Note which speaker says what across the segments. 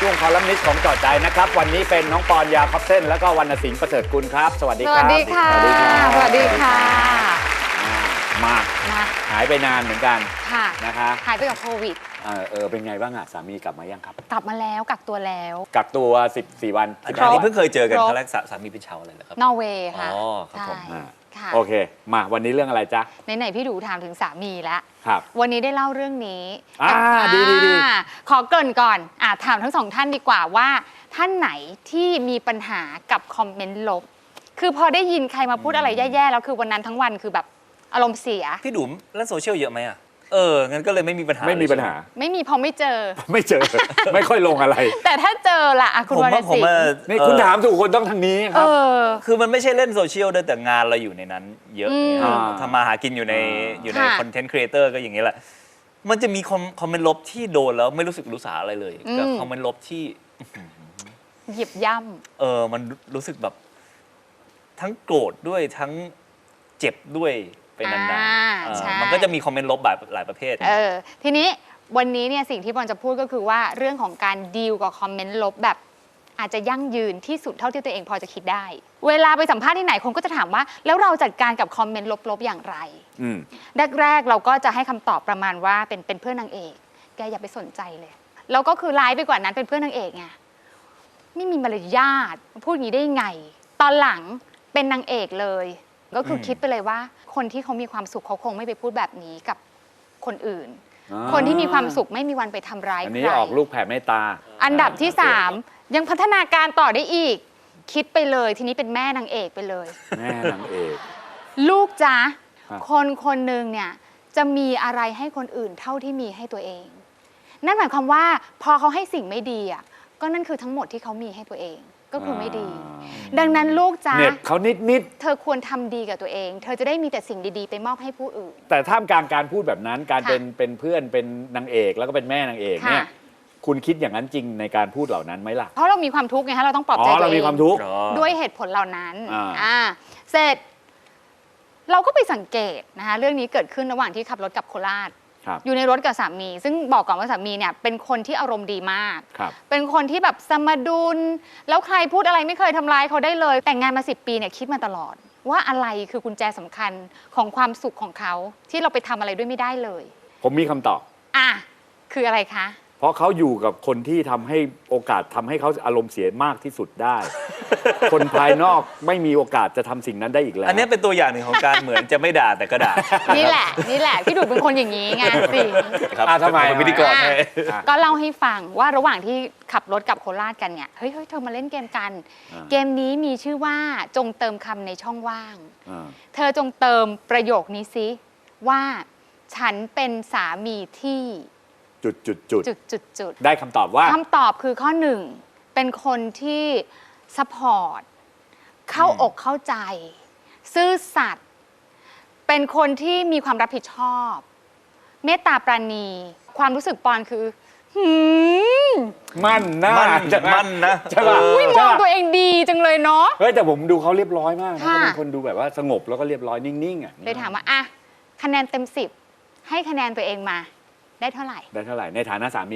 Speaker 1: ช่วงคอลัมนิสต์ของจอดใจนะครับวันนี้เป็นน้องปอนยาคอปเส้นแล้วก็วรรณสิงห์ประเสริฐกุลครับสวัสดีครับ
Speaker 2: สวัสดีค่ะ
Speaker 1: สวัสดีครับ
Speaker 2: สวัสดีค่ะ
Speaker 1: มาหายไปนานเหมือนกัน
Speaker 2: ค่ะ
Speaker 1: นะคะ
Speaker 2: หายไปกับโควิด
Speaker 1: เป็นไงบ้างอะสามีกลับมายังครับ
Speaker 2: กลับมาแล้วกักตัวแล้ว
Speaker 1: กักตัว14 วัน
Speaker 3: อันนี้เพิ่งเคยเจอกันครั้งแรกสามีเป็นชาวอะไรเหรอครับ
Speaker 2: นอร์เวย์ค่ะ
Speaker 3: อ๋อครับผม
Speaker 2: ใช่ค่ะ
Speaker 1: โอเคมาวันนี้เรื่องอะไรจ๊ะ
Speaker 2: ไหนๆพี่ดูถามถึงสามีแล้ว
Speaker 1: ครับ
Speaker 2: วันนี้ได้เล่าเรื่องนี้
Speaker 1: ดี
Speaker 2: ขอเกริ่นก่อนถามทั้งสองท่านดีกว่าว่าท่านไหนที่มีปัญหากับคอมเมนต์ลบ คือพอได้ยินใครมาพูดอะไรแย่ๆแล้วคือวันนั้นทั้งวันคือแบบอารมณ์เสีย
Speaker 3: พี่ดุ๋มเล่นโซเชียลเยอะไหมอ่ะงั้นก็เลยไม่มีปัญหา
Speaker 1: ไม่มีปัญหา
Speaker 2: ไม่มีพอไม่เจอ
Speaker 1: ไม่เจอ ไม่ค่อยลงอะไร
Speaker 2: แต่ถ้าเจอล่ะคุณ
Speaker 3: ผม
Speaker 2: วร
Speaker 3: ว่า
Speaker 2: รณ
Speaker 3: ผม
Speaker 2: สิง
Speaker 3: ว่า
Speaker 2: ห์
Speaker 1: นี่คุณถามถูกคนต้องทางนี้ครับ
Speaker 3: คือมันไม่ใช่เล่นโซเชียลด้วยแต่งานเราอยู่ในนั้น เยอะเนี่ย
Speaker 1: อ่า
Speaker 3: ทำมาหากินอยู่ในคอนเทนต์ครีเอเตอร์ก็อย่างนี้แหละมันจะมีคอมเมนต์ลบที่โดนแล้วไม่รู้สึกรู้สาอะไรเลยกับคอมเมนต์ลบที่
Speaker 2: เหยียบย่ำ
Speaker 3: มันรู้สึกแบบทั้งโกรธด้วยทั้งเจ็บด้วยไปนานๆ
Speaker 2: ใช่
Speaker 3: มันก็จะมีคอมเมนต์ลบแบบหลายประเภท
Speaker 2: ทีนี้วันนี้เนี่ยสิ่งที่บอลจะพูดก็คือว่าเรื่องของการดีลกับคอมเมนต์ลบแบบอาจจะยั่งยืนที่สุดเท่าที่ตัวเองพอจะคิดได้ เวลาไปสัมภาษณ์ที่ไหนคนก็จะถามว่าแล้วเราจัดการกับคอมเมนต์ลบๆอย่างไรแรกๆเราก็จะให้คำตอบประมาณว่าเป็นเพื่อนนางเอกแกอย่าไปสนใจเลยแล้วก็คือร้ายไปกว่านั้นเป็นเพื่อนนางเอกไงไม่มีมารยาทพูดอย่างนี้ได้ไงตอนหลังเป็นนางเอกเลยก็คือคิดไปเลยว่าคนที่เขามีความสุขเขาคงไม่ไปพูดแบบนี้กับคนอื่น คนที่มีความสุขไม่มีวันไปทำร้าย
Speaker 1: อัน
Speaker 2: ใค
Speaker 1: นี้
Speaker 2: ร
Speaker 1: ออกลูกแผ่เมตตา
Speaker 2: อันดับที่ 3 ยังพัฒนาการต่อได้อีก คิดไปเลยทีนี้เป็นแม่นางเอกไปเลย
Speaker 1: แม่นางเอก
Speaker 2: ลูกจ๊ะ
Speaker 1: ครับ
Speaker 2: คนหนึ่งเนี่ยจะมีอะไรให้คนอื่นเท่าที่มีให้ตัวเอง นั่นหมายความว่าพอเขาให้สิ่งไม่ดีอ่ะก็นั่นคือทั้งหมดที่เขามีให้ตัวเองก็คือไม่ดี ดังนั้นลูกจ๊ะ
Speaker 1: เน็บเขานิด
Speaker 2: เธอควรทำดีกับตัวเอง เธอจะได้มีแต่สิ่งดีๆ ไปมอบให้ผู้อื่น
Speaker 1: ๆแต่ท่ามกลางการพูดแบบนั้นการ
Speaker 2: ค่ะ
Speaker 1: เป็นเพื่อนเป็นนางเอกแล้วก็เป็นแม่นางเอกเนี่ย
Speaker 2: ค่ะ
Speaker 1: คุณคิดอย่างนั้นจริงในการพูดเหล่านั้นไหมล่ะ
Speaker 2: เพราะเรามีความทุกข์ไงฮะเราต้องปลอบใจตัวเอง
Speaker 1: เรามีความทุกข์
Speaker 2: ด้วยเหตุผลเหล่านั้น
Speaker 1: อ่า
Speaker 2: เสร็จ เราก็ไปสังเกตนะคะเรื่องนี้เกิดขึ้นระหว่างที่ขับรถกลับโคราช
Speaker 1: ครับ
Speaker 2: อยู่ในรถกับสามี ซึ่งบอกก่อนว่าสามีเนี่ยเป็นคนที่อารมณ์ดีมาก
Speaker 1: ครับ
Speaker 2: เป็นคนที่แบบสมดุลแล้วใครพูดอะไรไม่เคยทำร้ายเขาได้เลย แต่งงานมา10 ปีเนี่ยคิดมาตลอด ว่าอะไรคือกุญแจสำคัญของความสุขของเขาที่เราไปทำอะไรด้วยไม่ได้เลย
Speaker 1: ผมมีคำตอบ
Speaker 2: คืออะไรคะ
Speaker 1: เพราะเขาอยู่กับคนที่ทำให้โอกาสทำให้เขาอารมณ์เสียมากที่สุดได้ คนภายนอกไม่มีโอกาสจะทำสิ่งนั้นได้อีกแล้ว
Speaker 3: อันนี้เป็นตัวอย่างหนึ่งของการเหมือนจะไม่ด่าแต่ก็ด่า
Speaker 2: นี่แหละพี่ดูเป็นคนอย่างนี้ไงสิ
Speaker 3: ครับ
Speaker 1: ทำไม
Speaker 3: เป็นพิธีกรให้
Speaker 2: ก็เล่าให้ฟังว่าระหว่างที่ขับรถกลับโคราชกันเนี่ยเฮ้ยเธอมาเล่นเกมกัน เกมนี้มีชื่อว่าจงเติมคำในช่องว่าง เธอจงเติมประโยคนี้ซิว่าฉันเป็นสามีที่จุด
Speaker 1: ได้คำตอบว่า
Speaker 2: คำตอบคือข้อ 1เป็นคนที่ซัพพอร์ตเข้าอกเข้าใจ ซื่อสัตย์เป็นคนที่มีความรับผิดชอบ เมตตาปราณี ความรู้สึกปอนคือ
Speaker 1: มั่นหน้า
Speaker 3: มั่นนะ
Speaker 1: ใช่ป่ะ
Speaker 2: มองตัวเองดีจังเลยเนาะ
Speaker 1: เฮ้ยแต่ผมดูเขาเรียบร้อยมากนะ
Speaker 2: ค่ะ
Speaker 1: เขาเป็นคนดูแบบว่าสงบแล้วก็เรียบร้อยนิ่งๆอ่ะ
Speaker 2: เลยถามว่าคะแนนเต็ม10ให้คะแนนตัวเองมาได้เท่าไหร่
Speaker 1: ได้เท่าไหร่ในฐานะสามี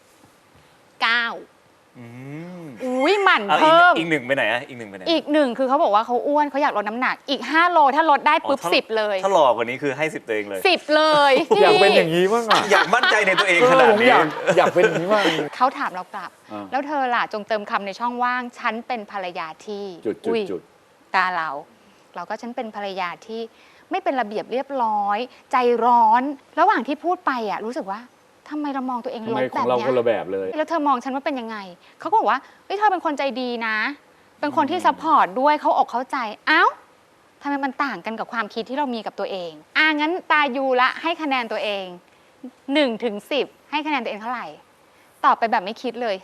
Speaker 2: 9อุ้ยหมั่น
Speaker 3: เอา
Speaker 2: เพิ่ม
Speaker 3: อีกหนึ่งไปไหนอ่ะอีกหนึ่งไปไหน
Speaker 2: อีก 1คือเขาบอกว่าเขาอ้วนเขาอยากลดน้ำหนักอีก5 โลถ้าลดได้ปุ๊บ
Speaker 3: ถ้า
Speaker 2: 10 เลย
Speaker 3: ถ้าหล่อกว่านี้คือให้10ตัวเองเลย
Speaker 2: 10 เลย
Speaker 1: อยากเป็นอย่างนี้บ้างอ่ะ
Speaker 3: อยากมั่นใจในตัวเองขนาด
Speaker 1: ผม
Speaker 3: นี้
Speaker 1: อยากเป็นอย่างนี้มาก
Speaker 2: เขาถามเรากลับ
Speaker 1: แล้ว
Speaker 2: เธอล่ะจงเติมคำในช่องว่าง ฉันเป็นภรรยาที่
Speaker 1: จุด
Speaker 2: ตาเราก็ฉันเป็นภรรยาที่ไม่เป็นระเบียบเรียบร้อย ใจร้อน ระหว่างที่พูดไปรู้สึกว่าทำไมเรามองตัวเอง
Speaker 1: ทำ
Speaker 2: ล
Speaker 1: ไม
Speaker 2: บ
Speaker 1: ข
Speaker 2: แบ
Speaker 1: อง
Speaker 2: บ
Speaker 1: เรา
Speaker 2: เนี้
Speaker 1: คนละ
Speaker 2: ย
Speaker 1: แบบเลย
Speaker 2: แล้วเธอมองฉันว่าเป็นยังไงเขาก็บอกว่าเฮ้ยเธอเป็นคนใจดีนะ เป็นคนที่ซัพพอร์ตด้วยเขาอกเข้าใจเอ้าทำไมมันต่างกันกับความคิดที่เรามีกับตัวเองงั้นตายูละให้คะแนนตัวเอง1 ถึง 10ให้คะแนนตัวเองเท่าไหร่ตอบไปแบบไม่คิดเลย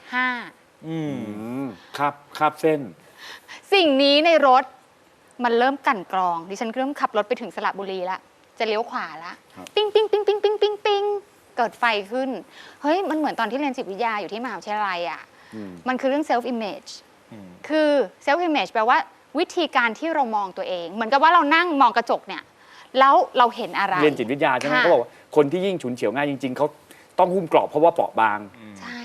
Speaker 2: 5
Speaker 1: ครับเส้น
Speaker 2: สิ่งนี้ในรถมันเริ่มกลั่นกรองดิฉันเริ่มขับรถไปถึงสระบุรีแล้วจะเลี้ยวขวาแล้ว
Speaker 1: ครับ
Speaker 2: ปิ้งปิ้งปิ้งปิ้งปิ้งปิ้งปิ้งเกิดไฟขึ้นเฮ้ยมันเหมือนตอนที่เรียนจิตวิทยาอยู่ที่มหาวิทยาลัยมันคือเรื่อง self image คือ self image แปลว่าวิธีการที่เรามองตัวเอง เหมือนกับว่าเรานั่งมองกระจกเนี่ยแล้วเราเห็นอะไร
Speaker 1: เรียนจิตวิทยาใช่ไหม
Speaker 2: ค่ะ
Speaker 1: เขาบอกว่าคนที่ยิ่งฉุนเฉียวง่ายจริงๆเขาต้องหุ้มเกราะเพราะว่าเปราะบาง
Speaker 2: ใช่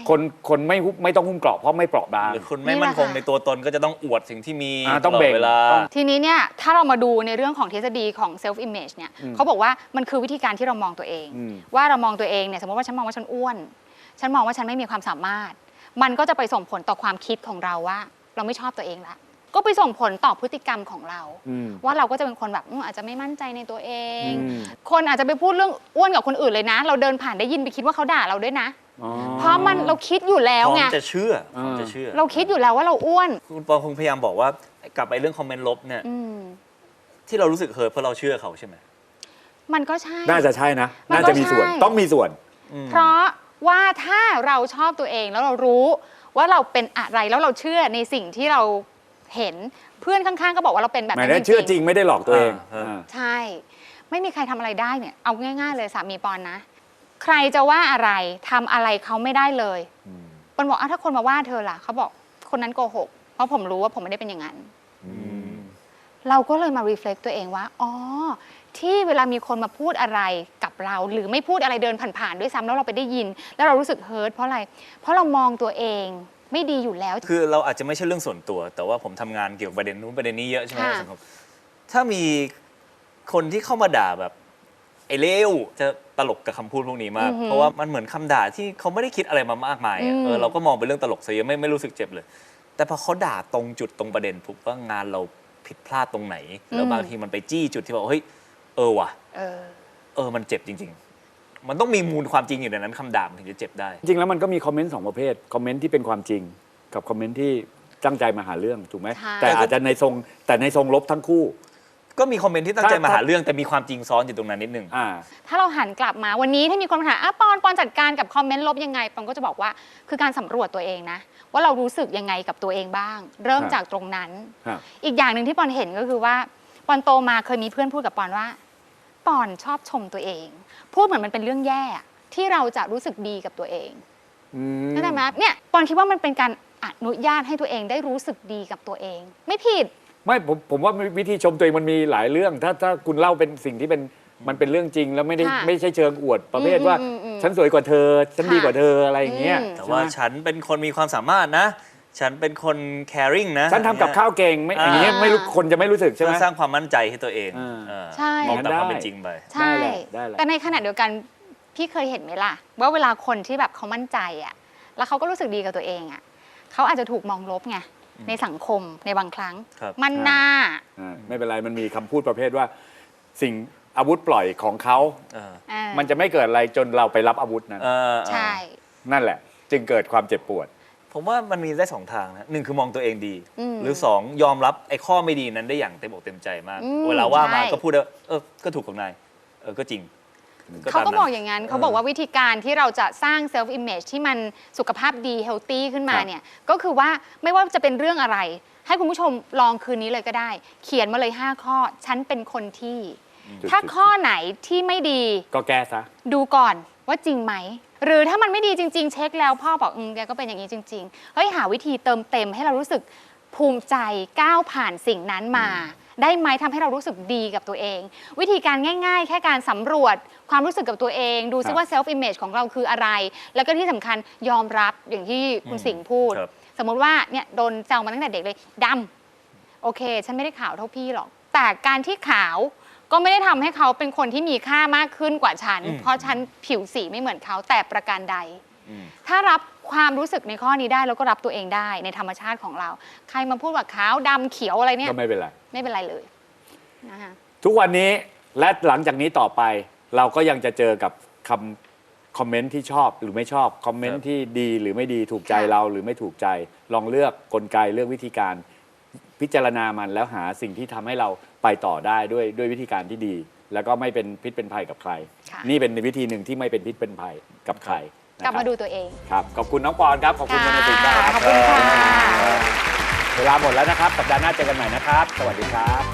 Speaker 1: คนไม่ต้องหุ้มเกราะเพราะไม่เปราะบาง
Speaker 3: หรือคุณไม่มั่นคงในตัวตนก็จะต้องอวดสิ่งที่มี
Speaker 1: ต้อง
Speaker 3: ตล
Speaker 1: เบ่
Speaker 3: ด
Speaker 1: ง
Speaker 3: เวลา
Speaker 2: ทีนี้เนี่ยถ้าเรามาดูในเรื่องของทฤษฎีของ self image เนี่ยเขาบอกว่ามันคือวิธีการที่เรามองตัวเอง ว่าเรามองตัวเองเนี่ยสมมติว่าฉันมองว่าฉันอ้วน ฉันมองว่าฉันไม่มีความสามารถ มันก็จะไปส่งผลต่อความคิดของเราว่า เราไม่ชอบตัวเองละก็ไปส่งผลต่อพฤติกรรมของเรา ว่าเราก็จะเป็นคนแบบอาจจะไม่มั่นใจในตัวเอง คนอาจจะไปพูดเรื่องอ้วนกับคนอื่นเลยนะ เราเดินผ่านได้ยินไปคิดว่าเขาด่าเราด้วยนะ เพราะมันเราคิดอยู่แล้ว
Speaker 3: พร้อ
Speaker 2: ไง
Speaker 3: มจะเชื่อพร้อมจะเชื่อ
Speaker 2: เราคิดอยู่แล้วว่าเราอ้วน
Speaker 3: คุณปอคงพยายามบอกว่ากลับไปเรื่องคอมเมนต์ลบเนี่ย
Speaker 2: อืม
Speaker 3: ที่เรารู้สึกเฮิร์ตเพราะเราเชื่อเขาใช่ไหม
Speaker 2: มันก็ใช่
Speaker 1: น่าจะใช่นะ
Speaker 2: มันก็
Speaker 1: น่าจะมีส่วน
Speaker 2: ใช่
Speaker 1: ต้องมีส่วน
Speaker 2: เพราะว่าถ้าเราชอบตัวเองแล้วเรารู้ว่าเราเป็นอะไรแล้วเราเชื่อในสิ่งที่เราเห็นเพื่อนข้างๆก็บอกว่าเราเป็นแบบ
Speaker 1: หมาย
Speaker 2: นั้
Speaker 1: ถึ
Speaker 2: น
Speaker 1: งเชื่อจริงไม่ได้หลอกตัวเอง
Speaker 2: ใช่ ไม่มีใครทำอะไรได้เนี่ยเอาง่ายๆเลยสามีปอนนะ ใครจะว่าอะไรทำอะไรเขาไม่ได้เลยปอนบอกถ้าคนมาว่าเธอล่ะเขาบอกคนนั้นโกหกเพราะผมรู้ว่าผมไม่ได้เป็นอย่างนั้นเราก็เลยมา reflect ตัวเองว่าอ๋อที่เวลามีคนมาพูดอะไรกับเรา หรือไม่พูดอะไรเดินผ่านๆด้วยซ้ำแล้วเราไปได้ยิน แล้วเรารู้สึกเฮิร์ตเพราะอะไร เพราะเรามองตัวเองไม่ดีอยู่แล้ว
Speaker 3: คือเราอาจจะไม่ใช่เรื่องส่วนตัว แต่ว่าผมทำงานเกี่ยวกับประเด็นนู้นประเด็นนี้เยอะใช่ไหม
Speaker 2: ค่ะ
Speaker 3: ในสังคมถ้ามีคนที่เข้ามาด่าแบบไอ้เลวจะตลกกับคำพูดพวกนี้มาก เพราะว่ามันเหมือนคำด่าที่เขาไม่ได้คิดอะไรมามากมายอะเราก็มองเป็นเรื่องตลกซะเยอะไม่รู้สึกเจ็บเลย แต่พอเขาด่าตรงจุดตรงประเด็นปุ๊บว่างานเราผิดพลาดตรงไหน แล้วบางทีมันไปจี้จุดที่บอกเฮ้ยว่ะมันเจ็บจริง ๆ มันต้องมีมูลความจริงอยู่ในนั้นคำด่ามันถึงจะเจ็บได้
Speaker 1: จริงแล้วมันก็มีคอมเมนต์สองประเภทคอมเมนต์ที่เป็นความจริง กับคอมเมนต์ที่ตั้งใจมาหาเรื่องถูกไหม
Speaker 2: ใช่
Speaker 1: แต่อาจจะในทรงลบทั้งคู่
Speaker 3: ก็มีคอมเมนต์ที่ตั้งใจมาหาเรื่องแต่มีความจริงซ้อนอยู่ตรงนั้นนิดนึง
Speaker 2: ถ้าเราหันกลับมาวันนี้ถ้ามีคนมาถามปอนจัดการกับคอมเมนต์ลบยังไงปอนก็จะบอกว่าคือการสำรวจตัวเองนะว่าเรารู้สึกยังไงกับตัวเองบ้าง เริ่มจากตรงนั้น
Speaker 1: ครับ
Speaker 2: อีกอย่างหนึ่งที่ปอนเห็นก็คือว่าปอนโตมาเคยมีเพื่อนพูดกับปอนว่าปอนชอบชมตัวเอง พูดเหมือนมันเป็นเรื่องแย่ที่เราจะรู้สึกดีกับตัวเองเข้าใจไหมเนี่ยปอนคิดว่ามันเป็นการอนุญาตให้ตัวเองได้รู้สึกดีกับตัวเอง ไม่ผิด
Speaker 1: ไม่ผมว่าวิธีชมตัวเองมันมีหลายเรื่อง ถ้าคุณเล่าเป็นสิ่งที่มันเป็นเรื่องจริง แล้วไม่ใช่เชิงอวดประเภทว่าฉันสวยกว่าเธอฉันดีกว่าเธออะไรอย่างเงี้ย
Speaker 3: แต่ว่าฉันเป็นคนมีความสามารถนะ ฉันเป็นคน caring นะ
Speaker 1: ฉันทำกับข้าวเก่งไม่อย่างเงี้ยไม่รู้คนจะไม่รู้สึกใช่ไหม
Speaker 3: เพื่อสร้างความมั่นใจให้ตัวเอง
Speaker 2: ใช่
Speaker 3: มองตามความเป็นจริงไป
Speaker 2: ใช่
Speaker 1: ได้แหละ
Speaker 2: แต่ในขณะเดียวกันพี่เคยเห็นไหมล่ะ ว่าเวลาคนที่แบบเขามั่นใจแล้วเขาก็รู้สึกดีกับตัวเองเขาอาจจะถูกมองลบไงในสังคมในบางครั้ง
Speaker 3: ครับ
Speaker 2: มันหน้า
Speaker 1: ไม่เป็นไรมันมีคำพูดประเภทว่า สิ่งอาวุธปล่อยของเขา มันจะไม่เกิดอะไรจนเราไปรับอาวุธนั้น
Speaker 2: ใช่
Speaker 1: นั่นแหละ จึงเกิดความเจ็บปวด
Speaker 3: ผมว่ามันมีได้สองทางนะหนึ่งคือมองตัวเองดี หรือสองยอมรับไอ้ข้อไม่ดีนั้นได้อย่างเต็มอกเต็มใจมาก เวลาว่ามาก็พูดว่าก็ถูกของนายก็จริง
Speaker 2: เขาก็
Speaker 3: ตมนั้น
Speaker 2: บอกอย่างนั้นเขาบอกว่าวิธีการที่เราจะสร้าง self image ที่มันสุขภาพดี healthy ขึ้นมาเนี่ยก็คือว่าไม่ว่าจะเป็นเรื่องอะไร ให้คุณผู้ชมลองคืนนี้เลยก็ได้ เขียนมาเลย 5 ข้อ ฉันเป็นคนที่ ถ้าข้อไหนที่ไม่ดี
Speaker 1: ก็แก้ซะ
Speaker 2: ดูก่อนว่าจริงไหม หรือถ้ามันไม่ดีจริง ๆ เช็คแล้วพ่อบอกแกก็เป็นอย่างนี้จริงๆเฮ้ยหาวิธีเติมเต็มให้เรารู้สึกภูมิใจก้าวผ่านสิ่งนั้นมา ได้ไหมทำให้เรารู้สึกดีกับตัวเอง วิธีการง่าย ๆ แค่การสำรวจความรู้สึกกับตัวเอง ดูซิว่า self image ของเราคืออะไร แล้วก็ที่สำคัญยอมรับอย่างที่คุณสิงห์พูด สมมติว่าเนี่ยโดนแซวมาตั้งแต่เด็กเลยดำโอเค ฉันไม่ได้ขาวเท่าพี่หรอก แต่การที่ขาวก็ไม่ได้ทำให้เขาเป็นคนที่มีค่ามากขึ้นกว่าฉัน เพราะฉันผิวสีไม่เหมือนเขาแต่ประการใด ถ้ารับความรู้สึกในข้อนี้ได้แล้วก็รับตัวเองได้ในธรรมชาติของเรา ใครมาพูดว่าขาวดำเขียวอะไรเนี่ย
Speaker 1: ก็ไม่เป็นไร
Speaker 2: ไม่เป็นไรเลยนะคะ
Speaker 1: ทุกวันนี้และหลังจากนี้ต่อไป เราก็ยังจะเจอกับคอมเมนต์ที่ชอบหรือไม่ชอบคอมเมนต์ที่ดีหรือไม่ดีถูกใจเราหรือไม่ถูกใจ ลองเลือกกลไกเลือกวิธีการพิจารณามันแล้วหาสิ่งที่ทำให้เราไปต่อได้ด้วยวิธีการที่ดี แล้วก็ไม่เป็นพิษเป็นภัยกับใคร นี่เป็นวิธีหนึ่งที่ไม่เป็นพิษเป็นภัยกับใคร
Speaker 2: กลับมาดูตัวเอง
Speaker 1: ครับขอบคุณน้องปอนครับขอบคุณคุณสิงห์ครับ
Speaker 2: ขอบคุณค่ะ
Speaker 1: เวลาหมดแล้วนะครับสัปดาห์หน้าเจอกันใหม่นะครับ สวัสดีครับ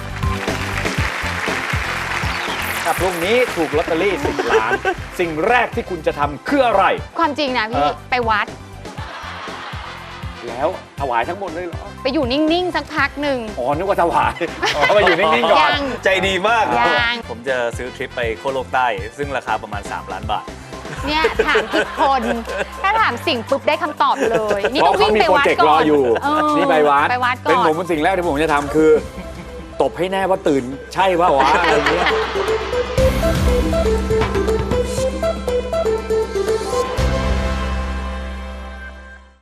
Speaker 1: ถ้าพรุ่งนี้ถูกลอตเตอรี่10 ล้าน สิ่งแรกที่คุณจะทำคืออะไร
Speaker 2: ความจริงนะพี่ไปวัด
Speaker 1: แล้วถวายทั้งหมดเลยเหรอ
Speaker 2: ไปอยู่นิ่งๆสักพักหนึ่ง
Speaker 1: อ๋อนึกว่าถวายอ๋อมาอยู่นิ่งๆก่อน
Speaker 2: ยัง
Speaker 3: ใจดีมาก
Speaker 2: ยัง
Speaker 3: ผมจะซื้อทริปไปโคโลกใต้ ซึ่งราคาประมาณ3 ล้านบาท
Speaker 2: เนี่ยถามผิดคน ถ้าถามสิ่งปุ๊บได้คำตอบเลย นี่
Speaker 1: เพ
Speaker 2: ก็
Speaker 1: ราะเขา
Speaker 2: วิ่ง
Speaker 1: มี
Speaker 2: ไป
Speaker 1: โปร
Speaker 2: วัด
Speaker 1: เจกต์
Speaker 2: ก่
Speaker 1: ร
Speaker 2: อ
Speaker 1: อน อยู่ นี่ไปวัด
Speaker 2: ไปวัดก่อน
Speaker 1: เป็นผมสิ่งแรกที่ผมจะทำคือ ตบให้แน่ว่าตื่นใช่ป่าววะอะไรเงี้ย